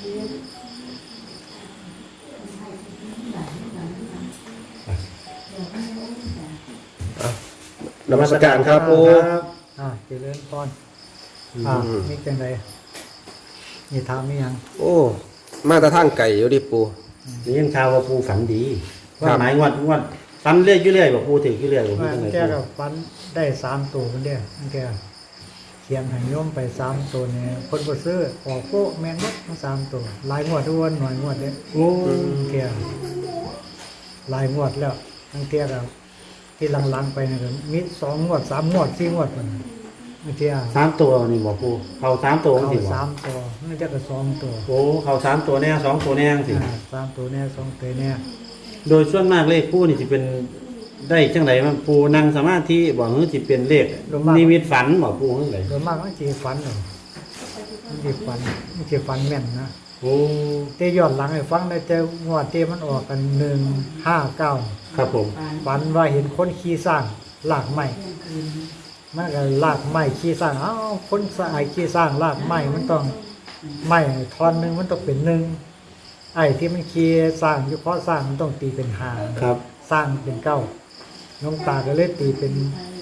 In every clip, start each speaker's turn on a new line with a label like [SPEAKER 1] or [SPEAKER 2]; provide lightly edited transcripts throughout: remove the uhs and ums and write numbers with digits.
[SPEAKER 1] นมัสการครับปู
[SPEAKER 2] เจริญพรนี่จังไดนี่ถามมีหยัง
[SPEAKER 1] โอ้มาแต่ทางไก่อยู่ดิปู
[SPEAKER 3] นี่ยังข่าวว่าปูฝันดีว่าหมายงวดฝันเรื่อยอยู่เรื่อยบอกปูถึงอยู่เรื่อยบอกปูจังไง
[SPEAKER 2] แกก็ฝันได้3ตัวคนเดียวแกเขียนให้โยมไป3ตัวเนี่ยคนบ่ซื้อออกโป๊ะแม่นหมดทั้ง3ตัวหลายงวดทุกวันหน่อยงวดเด้
[SPEAKER 3] โอ้
[SPEAKER 2] แกหลายงวดแล้วทั้งแกก็ที่หลังๆไปนี่ก็มี2งวด3งวด4งวดพุ่นบางที
[SPEAKER 3] 3ตัวนี่บอกปูเขา3ตัวสิบ่
[SPEAKER 2] 3ตัวมันจะก็2ตัว
[SPEAKER 3] โอ้เขา3ตัวแน่2ตัวแน่สิ
[SPEAKER 2] 3ตัวแน่2ตัวแน่
[SPEAKER 3] โดยส่วนมากเลขปูนี่สิเป็นได้จังไดมันปูนั่งสมาธิบ่ฮือสิเป็นเลขนิมิตฝันบ่ปูจังได๋
[SPEAKER 2] โดยมากมันสิฝันมันสิฝันแม่นนะ
[SPEAKER 3] โอ้
[SPEAKER 2] แต่ย้อนหลังให้ฟังได้แต่งวดที่มันออกกัน159
[SPEAKER 3] ครับผม
[SPEAKER 2] ฝันว่าเห็นคนขี่สร้างลากไม้มันก็ลากไม้ขี่สร้างคนสายขี่สร้างลากไม้มันต้องไม้ท่อนนึงมันต้องเป็น1ไอ้ที่มันขี่สร้างอยู่เพราะสร้างมันต้องตีเป็น5
[SPEAKER 3] ครับ
[SPEAKER 2] สร้างเป็น9น้องตาก็เลยตีเป็น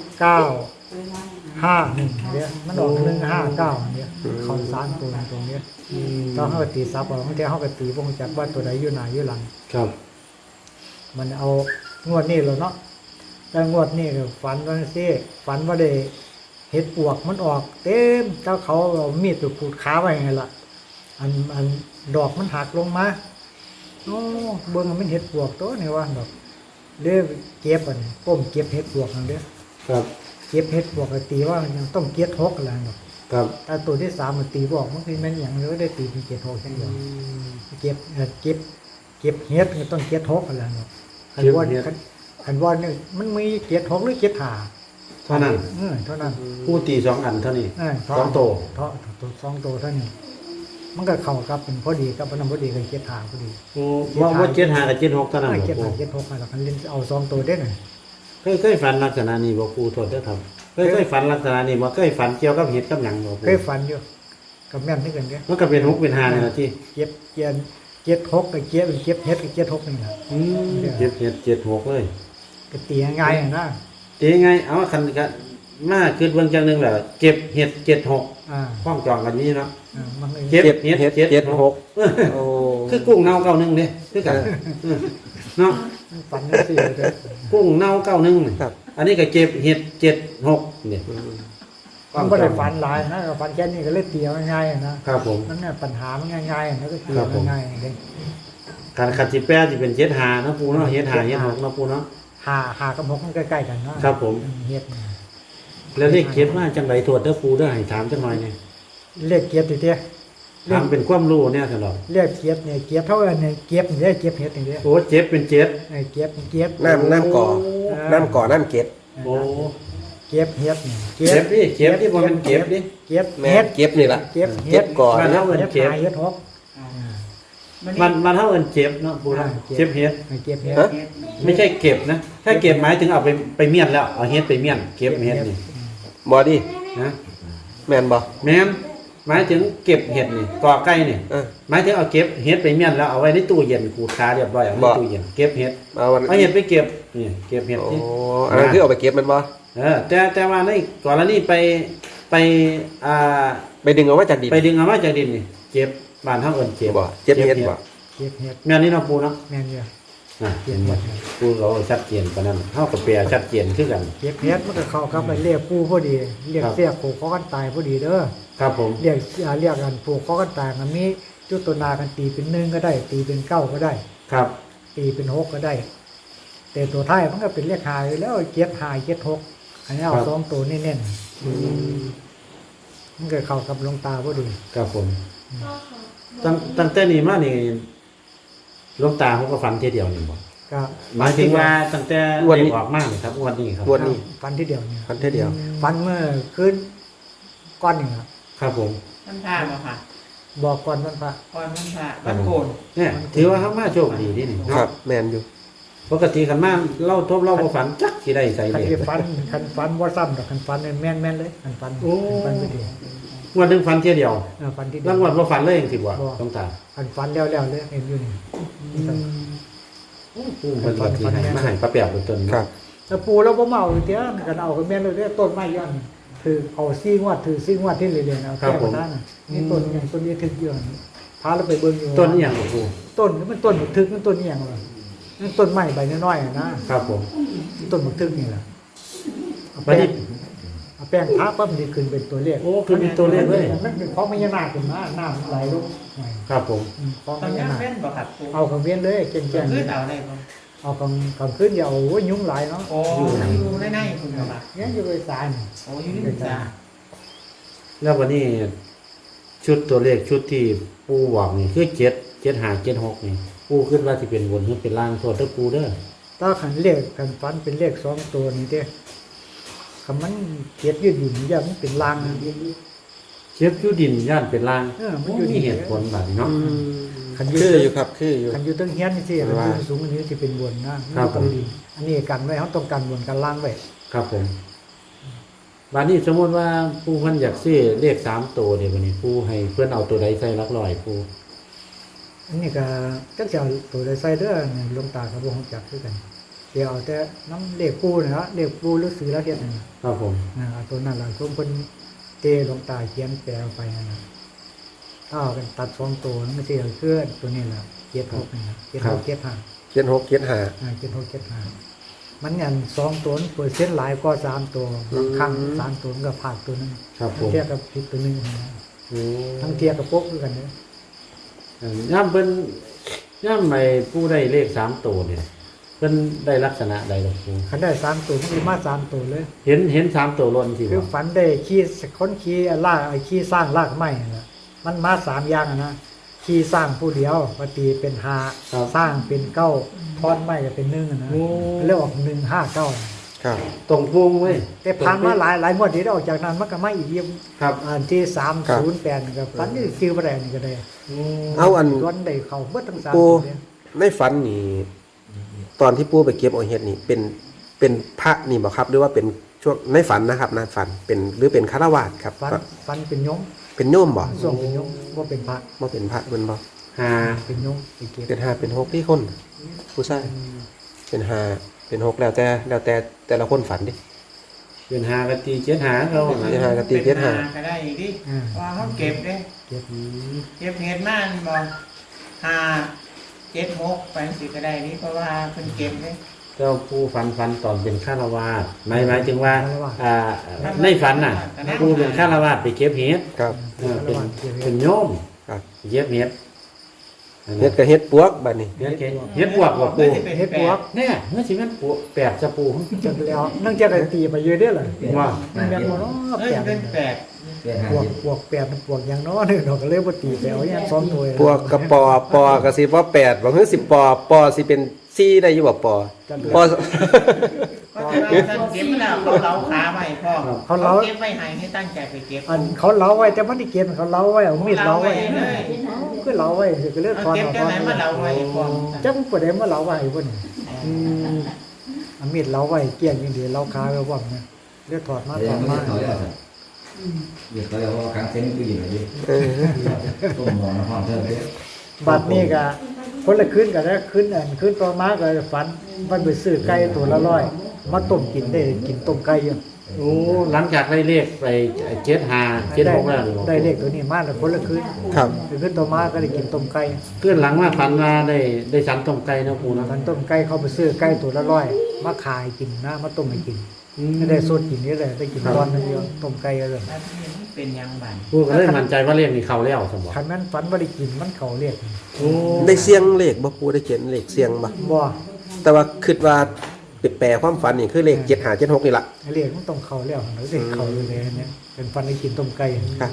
[SPEAKER 2] 951เนี่ยมันออก159เนี่ยเขา3ตัวตรงนี้ต้องเฮาตีซับเอาบางทีเฮาก็ตีบ่รู้จักว่าตัวใดอยู่หน้าอยู่หลัง
[SPEAKER 3] ครับ
[SPEAKER 2] มันเอางวดนี้แล้วเนาะแต่งวดนี้ก็ฝันว่าซี่ฝันว่าได้เห็ดปวกมันออกเต็มเจ้าเขาเอามีดไปขูดขาไว้ไงล่ะอันดอกมันหักลงมาโอ้เบิ่งมันเห็ดปวกตัวนี่ว่าดอกเด้อเก็บอันก้มเก็บเห็ดปวกนั่นเด้อ
[SPEAKER 3] ครับ
[SPEAKER 2] เก็บเห็ดปวกก็ตีว่ายังต้องเก็บ6แล้วดอก
[SPEAKER 3] ครับ
[SPEAKER 2] แต่ตัวที่3มันตีบ่ออกมันคือมันหยังเลยได้ตีเป็นเก็บ6จังเดียวเก็บเห็ดก็ต้องเก็บ6แล้วดอกคันว่านี่มันมีเก็บ6หรือเก็บ5
[SPEAKER 3] เท่านั้น
[SPEAKER 2] เท่านั้น
[SPEAKER 3] ปูตี2อันเท่านี้2
[SPEAKER 2] ตัว2ตัวเท่านี้มันก็เข้ากับเป็นพอดีกับมันพอดีกับเก็บ5พอดี
[SPEAKER 3] โอ้ว่า75กับ76เท่านั้นบ่
[SPEAKER 2] เก็บ5เก็บ6แล้วคันเล่นเอา2ตัวได้น่ะ
[SPEAKER 3] เคยฝันลักษณะนี้บ่ครูโทษเด้อครับเคยฝันลักษณะนี้บ่เคยฝันเกี่ยวกับเห็ดกับหยังบ่
[SPEAKER 2] เคยฝันอยู่กับแม่นที่กันเด้
[SPEAKER 3] มันก็เป็น6เป็น5นี่ล่ะที่
[SPEAKER 2] เก็บ6กับเก็บเห็ดกับเก็บ6นี่ล่ะ
[SPEAKER 3] เก็บเห็ด76เลย
[SPEAKER 2] ก็ตีง่ายๆนะ
[SPEAKER 3] ตีง่ายเอาคันก็มาคิดเบิ่งจังนึงแหละเก็บเห็ด76พ้องจองกันนี้เนาะเก็บเห็ด76โอ้คือกุ้งเน่า91เด้คือกันเนาะ
[SPEAKER 2] ฝันจังซี่เด้อ
[SPEAKER 3] กุ้งเน่า91นี่อันนี้ก็เก็บเห็ด76นี่
[SPEAKER 2] มันบ่ได้ฝันหลายนะฝันแค่นี้ก็เลยตีง่ายๆนะครับ
[SPEAKER 3] ผม
[SPEAKER 2] มันเนี่ยปัญหามันง่ายๆแล้วก็ตีง่ายๆเด้
[SPEAKER 3] คันสิแปลสิเป็น75เนาะปูเนาะเห็ด5เห็ด6เนาะปูเนาะ
[SPEAKER 2] 5กับ6มันใกล้ๆกันเนาะ
[SPEAKER 3] ครับผม
[SPEAKER 2] เฮ็ด
[SPEAKER 3] แล้วเลขเก็บมาจังได๋โทษเด้อปูเด้อให้ถามจังหน่อยนี่
[SPEAKER 2] เลขเก็บติเด้
[SPEAKER 3] ถามเป็นความรู้เนี่ยซั่นดอก
[SPEAKER 2] เลขเก็บเนี่ยเก็บเท่าอันเนี่ยเก็บนี่เก็บเฮ็ดนี่เด้
[SPEAKER 3] โอ้เจ็บเป็น7
[SPEAKER 2] เก็บ
[SPEAKER 1] น้ำก่อน้ำเก็บ
[SPEAKER 3] โอ้
[SPEAKER 2] เก็บเฮ็ดนี่
[SPEAKER 3] เก็บดิบ่แม่นเก็บดิ
[SPEAKER 2] เก็บ
[SPEAKER 1] แม่เก็บนี่ล่ะ
[SPEAKER 2] เก็บ
[SPEAKER 1] ก่อน
[SPEAKER 3] มันเฮาเอิ้นเก็บ
[SPEAKER 2] เฮ็ด6
[SPEAKER 3] มันเฮาเอิ้นเจ็บเนาะปูนะเจ็บเฮ็ด
[SPEAKER 2] เก็บเฮ็ด
[SPEAKER 3] ไม่ใช่เก็บนะถ้าเก็บหมายถึงเอาไปเมียนแล้วเอาเฮ็ดไปเมียนเก็บเฮ็ดนี่
[SPEAKER 1] บ่ดิ
[SPEAKER 3] นะ
[SPEAKER 1] แม่นบ่
[SPEAKER 3] แม่นหมายถึงเก็บเห็ดนี่กอไก่นี่หมายถึงเอาเก็บเห็ดไปเมียนแล้วเอาไว้ในตู้เย็นขูดขาเรียบร้อยเอาในตู้เย็นเก็บเห็ดเอาเห็ดไปเก็บนี่เก็บเห็ดที่
[SPEAKER 1] อันนั้นคือเอาไปเก็บมันบ่
[SPEAKER 3] แต่ว่าในก่อนแล้วนี่ไป
[SPEAKER 1] ดึงเอามาจากดิน
[SPEAKER 3] ไปดึงเอามาจากดินนี่เก็บบ้านเฮาเอิ้นเก็บ
[SPEAKER 1] บ่เก็บเห็ดบ่
[SPEAKER 2] เก็บเห็ด
[SPEAKER 3] แม่นนี่เนาะปูเนาะ
[SPEAKER 2] แม่นอยู่
[SPEAKER 3] เห็นบ่ปูเราชัดเจนปานนั้นเฮาก็แปลชัดเจนคือกัน
[SPEAKER 2] เก็บเห็ดมันก็เข้ากับเรียกปูพอดีเรียกเสียผูกคอกันตายพอดีเด้อ
[SPEAKER 3] ครับผม
[SPEAKER 2] เรียกกันผูกคอกันตายมันมีจุดตัวนากันตีเป็น1ก็ได้ตีเป็น9ก็ได้
[SPEAKER 3] ครับ
[SPEAKER 2] ตีเป็น6ก็ได้แต่ตัวท้ายมันก็เป็นเลข5อยู่แล้วเก็บ5เก็บ6อันนี้เอา2ตัวเน้นๆมันก็เข้ากับหลวงตาพอดี
[SPEAKER 3] ครับผมตั้งแต่นี้มานี่หลวงตาเขาก็ฝันทีเดียวนี่บ่
[SPEAKER 2] ก็
[SPEAKER 3] หมายถึงว่าตั้งแต่เด็กออกมานี่ครับวันนี้ครับ
[SPEAKER 1] วันนี้
[SPEAKER 2] ฝันทีเดียวนี่
[SPEAKER 1] ฝันทีเดียว
[SPEAKER 2] ฝันเมื่อคืนก่อนนี่ครับ
[SPEAKER 3] ครับผม
[SPEAKER 4] มันพาบ่ค่ะ
[SPEAKER 2] บอกก่อนมันพระ
[SPEAKER 4] ก่อนมันพามันโกน
[SPEAKER 3] เนี่ยถือว่าเขามาโชคดีนี่
[SPEAKER 1] ครับแม่นอยู่
[SPEAKER 3] ปกติคันมาเล่าทบเล่าบ่ฝันจักสิได้ใส่
[SPEAKER 2] เลยคันฝันบ่ซ้ำดอกคันฝันแม่นเลยคันฝันไปดี
[SPEAKER 3] งวดหนึงฝันเที่ยเดียว
[SPEAKER 2] ฝันที่
[SPEAKER 3] แล้วงวดบ่ฝันเลยจังซี่บ่ต้องตา
[SPEAKER 2] ฝันแล้วเลยเห็นอยู่นี่
[SPEAKER 3] ปูเพิ่นก็สิให้มาให้ป้าแป๋วเป็นต้น
[SPEAKER 1] ครับ
[SPEAKER 2] แล้วปูเราบ่เมาเตี้ยกันเอากันแม่นเลยเด้อต้นไม้ย้อนคือเอาซี่งวดถือซี่งวดที่เรียนเอาแก้มาได้น่ะนี่ต้นอย่างต้นนี้ถึกเยอะพาเราไปเบิ่งอยู่
[SPEAKER 3] ต้นอีหยังบ่ปู
[SPEAKER 2] ต้นนี่มันต้นบักทึกมันต้นอีหยังล่ะมันต้นไม้ใบน้อยๆนะครับ
[SPEAKER 3] ผม
[SPEAKER 2] ต้นบักทึกนี่ล่ะเอา
[SPEAKER 3] บัดนี้
[SPEAKER 2] แป้งทาปั๊บมันสิขึ้นเป็นตัวเลข
[SPEAKER 3] โอ้คือมีตัวเลขเลย
[SPEAKER 2] มันเป็นของพญานาคขึ้นมาน้ำไหลลงหน่อย
[SPEAKER 3] ครับผม
[SPEAKER 2] ของ
[SPEAKER 4] ต
[SPEAKER 2] พ
[SPEAKER 4] อนนี้
[SPEAKER 2] ญานาค
[SPEAKER 4] เป็นบ่ครับปู
[SPEAKER 2] เอาของเวียนเลยแก่
[SPEAKER 4] คื
[SPEAKER 2] ง
[SPEAKER 4] อเอาได้บ่
[SPEAKER 2] ๆเอาของขึ้นอย่าโอ้ยยุ่งหลายเนาะ
[SPEAKER 4] โอ้อยู่ในคุณบ่ครับ
[SPEAKER 2] เนี่ยอยู่ไปสาร
[SPEAKER 4] โอ้อยู่ในจ้า
[SPEAKER 3] แล้ววันนี้ชุดตัวเลขชุดที่ปูบอกนี่คือ77576นี่ปูคิดว่าสิเป็นบนหรือเป็นล่างโทษเด้อปูเด้อ
[SPEAKER 2] ถ้าขันเลขขันฟันเป็นเลข2ตัวนี่เด้คำมันเกียดยืดหยุ่นอย่ามันเป็นลางนะ
[SPEAKER 3] เช็ดอยู่ดินย่านเป็นล่าง
[SPEAKER 2] มันอยู่
[SPEAKER 3] มีเหตุผลแบบนี้เนาะ
[SPEAKER 2] ขัน
[SPEAKER 1] คืออยู่ครับคืออยู่
[SPEAKER 2] ขันอยู่ตั้งเฮียนนี่สิขันอยู่สูงอันนี้สิเป็นบนนะครับ
[SPEAKER 3] ผม
[SPEAKER 2] อันนี้กันไว้เขาต้องการบนกันล่างไว้
[SPEAKER 3] ครับผมบัดนี้สมมติว่าปูเพิ่นอยากซื้อเลข3ตัวเดี๋ยวบัดนี้ปูให้เพิ่นเอาตัวใดใส่หลักร้อยปู
[SPEAKER 2] อันนี้ก็จักจะเอาตัวใดใส่เด้อเนี่ยหลวงตากับวงจักคือกันเดี๋ยวเอาแต่น้ำเลขปูนะเลขปูหรือซื้อแล้วเฮ็ดนั่นน่ะ
[SPEAKER 3] ครับผม
[SPEAKER 2] เอาตัวนั้นล่ะผมเพิ่นเตหลวงตาเขียนแปลออกไปนั่นน่ะถ้าเอากันตัด2ตัวมันสิเอาเคลื่อนตัวนี้ล่ะ76นี่นะ76 75
[SPEAKER 1] เจ็ดหกเจ็ดห้า
[SPEAKER 2] 76 75มันอัน2ตัวเปอร์เซ็นต์หลายกว่า3ตัวบางครั้ง3ตัวมันก็พลาดตัวนึง
[SPEAKER 3] ครับผม
[SPEAKER 2] เทียบกับผิดตัวนึงนะทั้งเทียบกับพวกคือกันเด้อ
[SPEAKER 3] ย่ำเพิ่นย่ำไปปูได้เลข3ตัวเนี่ยเพิ่นได้ลักษณะใดหรอปู
[SPEAKER 2] คันได้3ตัวมันสิมา3ตัวเลย
[SPEAKER 3] เห็น3ตัวล้นสิ
[SPEAKER 2] คือ
[SPEAKER 3] บ่
[SPEAKER 2] ฝันได้ขี่คนขี่ลากไอ้ขี่สร้างลากไม้นั่นล่ะมันมา3อย่างอะนะขี่สร้างผู้เดียวปฏิเป็น5สร้างเป็น9ทอนไม้ก็เป็น1อะนะเรียกว่า159
[SPEAKER 1] ครับ
[SPEAKER 3] ตรงพุงเว้ย
[SPEAKER 2] แต่ผ่านมาหลายงวดที่ได้ออกจากนั้นมันก็มาอีกเยี่ยม
[SPEAKER 3] ครับ
[SPEAKER 2] อันที่308นี่ก็ฝันนี่ชื่อบ่ได้นี่ก็ได้
[SPEAKER 1] เอาอัน
[SPEAKER 2] ย้อนได้เข้าเบิดทั้ง3
[SPEAKER 1] ปู
[SPEAKER 2] ตัวเนี่ย
[SPEAKER 1] ในฝันนี่ตอนที่ปูไปเก็บเอาเห็ดนี่เป็นพระนี่บ่ครับหรือว่าเป็นช่วงในฝันนะครับในฝันเป็นหรือเป็นฆราวาสถ์ครับ
[SPEAKER 2] ฝันเป็นยง
[SPEAKER 1] เป็นโยมบ่
[SPEAKER 2] ส่งเป็นยงบ่เป็นพระ
[SPEAKER 1] บ่เป็นพระเป็นบ่
[SPEAKER 3] 5
[SPEAKER 2] เป็นยงไปเก็บ
[SPEAKER 1] เป็นห้าเป็นหกที่คนผู้ชายเป็นห้าเป็นหกแล้วแต่แต่ละคนฝันดิ
[SPEAKER 3] เป็น5กับตี75เขา
[SPEAKER 1] เป็นห้ากับตีเจ็ดห้า
[SPEAKER 4] ก็ได้อีกดิว่าเขาเก็บเด้
[SPEAKER 2] เก็บ
[SPEAKER 4] เก็บเห็ดมาบ่5 7 6ไปสิก็ได้นี่เพราะว่าเพิ่นเก็บเด้
[SPEAKER 3] เจ้าผู้ฝันตอนเป็นฆราวาสหมายถึงว่าในฝันน่ะผู้เป็นฆราวาสไปเก็บเห็ด
[SPEAKER 1] ครับ
[SPEAKER 3] เป็นโยม
[SPEAKER 1] ครับ
[SPEAKER 3] เก็บเห็ด
[SPEAKER 1] เฮ็ดกับเฮ็ดปวกบัดนี้
[SPEAKER 3] เฮ็ดปวกบ่ปู
[SPEAKER 2] เฮ็ดบวก
[SPEAKER 3] เนี่ยเมื่อสิแม่นปวกแปดจะปู
[SPEAKER 2] จนแล้วนั่งจะกันตีไปเยอะเด้อล่ะ
[SPEAKER 3] ว่า
[SPEAKER 2] มันแม่นบ่เนาะ
[SPEAKER 4] เอ้ย
[SPEAKER 2] แปด
[SPEAKER 4] เป็นแปด
[SPEAKER 2] บวกแปดมันบวกอย่างน้อยนึงเนาะก็เลยบ่ตีไปเอาอย่าง2หน่วย
[SPEAKER 1] ปวกกับปอก็สิว่า8บ่คือ10ปอสิเป็น4ได้อยู่บ่ปอ
[SPEAKER 4] เพราะว่าท่านเก็บแล้วเขาเล้าขาไว้พ่อเขาเก็บไว้ให้ตั้งใจไปเก็บ
[SPEAKER 2] อันเขาเล้าไว้แต่มันได้เก็บเขาเล้าไว้เอามีดเล้าไว้
[SPEAKER 4] เลย
[SPEAKER 2] คือเล้าไว้ก็เลยถอน
[SPEAKER 4] เก็บ
[SPEAKER 2] เอา
[SPEAKER 4] จังไหนมาเล้าไว้พ่อ
[SPEAKER 2] จังบ่ได้มาเล้าไว้พุ่นเอามีดเล้าไว้เกลี้ยงอย่างเดียวเล้าขาไว้บ่เนี่ยเลือดถอดมาถอดมา
[SPEAKER 5] เดี๋ยวเขาเรียกว่าครั้งเส้นคืออย่างไรต้มหมอนะพ่อเธอเนี่ย
[SPEAKER 2] บัดนี้ก็คนละคืนก็ได้คืนต่อมาก็ฝันมันไปซื้อไก่ตัวละ100มาต้มกินได้กินต้มไก่อยู่
[SPEAKER 3] โอ้หลังจากได้เลขไป75 76แล้วนี่
[SPEAKER 2] ได้เลขตัวนี้มาแล้วคนละคืน
[SPEAKER 1] ครับ
[SPEAKER 2] คืนต่อมาก็ได้กินต้มไก่
[SPEAKER 3] เพื่อนหลังมาฝันว่าได้สันต้มไก่นะปูนะ
[SPEAKER 2] มันต้มไก่เขาไปซื้อไก่ตัวละ100มาขายกินนะมาต้มให้กินได้สดกินนี่เลยได้กินตอนนึงเดียวต้มไก่เลย
[SPEAKER 4] เป็นยังบัน
[SPEAKER 3] ปูก็เลยมั่นใจว่าเลขนี่เข้าแล้วสมบ่
[SPEAKER 2] คันนั้นฝันว่าได้กินมันเขาเรียก
[SPEAKER 3] โอ้
[SPEAKER 1] ได้เสียงเลขบ่ปูได้เขียนเลขเสียงบ่
[SPEAKER 2] บ่
[SPEAKER 1] แต่ว่าคิดว่าแปลความฝันนี่คือเลข75 76นี่ล่ะ
[SPEAKER 2] เรียกมันต้องเขาแล้วหรือเด็กเขาเลยเนี่ยเป็นฝันได้กินต้มไก่
[SPEAKER 1] ครับ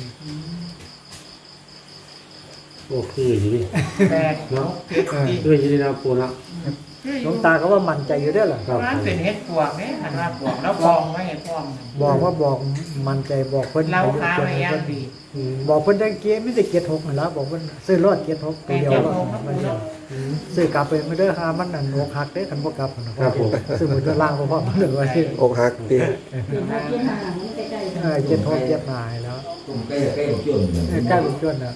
[SPEAKER 3] โอ้คืออยู่ดิ
[SPEAKER 4] แปดหกเจ็ดสี่
[SPEAKER 3] คืออยู่ดินะปูนะ
[SPEAKER 2] หลวงตาก็ว่ามั่นใจอยู่เด้อล่ะ
[SPEAKER 3] ครับ
[SPEAKER 4] ร้านเป็นเห็ดปวกเนี่ยหันว่าปวกแล้วกองไว้เห็ดพร้อม
[SPEAKER 2] บอกมั่นใจบอกเพิ่น
[SPEAKER 4] เราค้าไว้ย่างดี
[SPEAKER 2] บอกเพิ่นได้เกียร์ไม่ได้เกียร์6นั่นล่ะบอกเพิ่นซื้อรถเกียร์6ตัวเดียวมันซื้อกลับไปไม่ได้หามันนั่นอกหักเด้คันบ่กลับนะครับ
[SPEAKER 3] ผม
[SPEAKER 2] ซื้อมือตัวล่างบ่พอมันเลยว่าสิ
[SPEAKER 1] อกหักติ
[SPEAKER 2] เกียร์6เกียร์หายแล้ว
[SPEAKER 5] ต้มใกล้ๆกับจุ่มอยู่
[SPEAKER 2] ใกล้ลูกจนน่ะ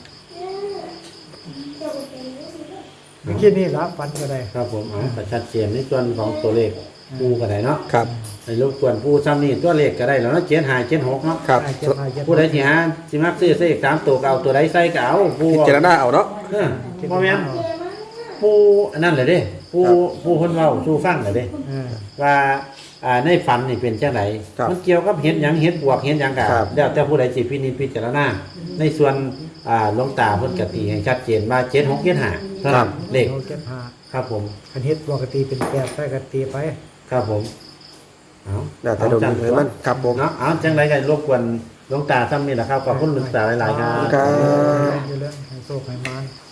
[SPEAKER 2] ไม่คิดนี่ละฝันก็ได้
[SPEAKER 3] ครับผมเอาแต่ชัดเจนในส่วนของตัวเลขปูก็ได้เนาะ
[SPEAKER 1] ครับ
[SPEAKER 3] ในรบกวนผู้ซ้ำนี่ตัวเลขก็ได้แล้วเนาะ7576เนาะ
[SPEAKER 1] ครับ
[SPEAKER 3] ผู้ใดที่หาสิมักซื้อเลข3ตัวก็เอาตัวใดใส่ก็เอาผู้
[SPEAKER 1] พิจารณาเอาเนาะ
[SPEAKER 3] บ่แม่นผู้อันนั้นแหละเด้ผู้เพิ่นเว้าสู่ฟังแหละเด้ ว่าในฝันนี่เป็นจังได
[SPEAKER 1] ครับ
[SPEAKER 3] มันเกี่ยวกับเห็นหยังเห็นบวกเห็นหยังกะ
[SPEAKER 1] ครับ
[SPEAKER 3] แล้วแต่ผู้ใดสิพินิจพิจารณาในส่วนหลวงตาเพิ่นก็ตีให้ชัดเจนว่า7675เท่านั้นเลข
[SPEAKER 2] โอเคพา
[SPEAKER 3] ครับผม
[SPEAKER 2] คันเฮ็ดปกติเป็นแปดไปก็ตีไป
[SPEAKER 3] ครับผมเอา
[SPEAKER 1] แล้วแต่ดวงเห็นมันครับผม
[SPEAKER 3] เนาะเอาจังไดก็รบกวนหลวงตาซ้ำนี่แหละครับขอบคุณหลวงตาหลายๆครับ
[SPEAKER 1] ครับ
[SPEAKER 2] อยู่เรื่องให้โชคให้มาน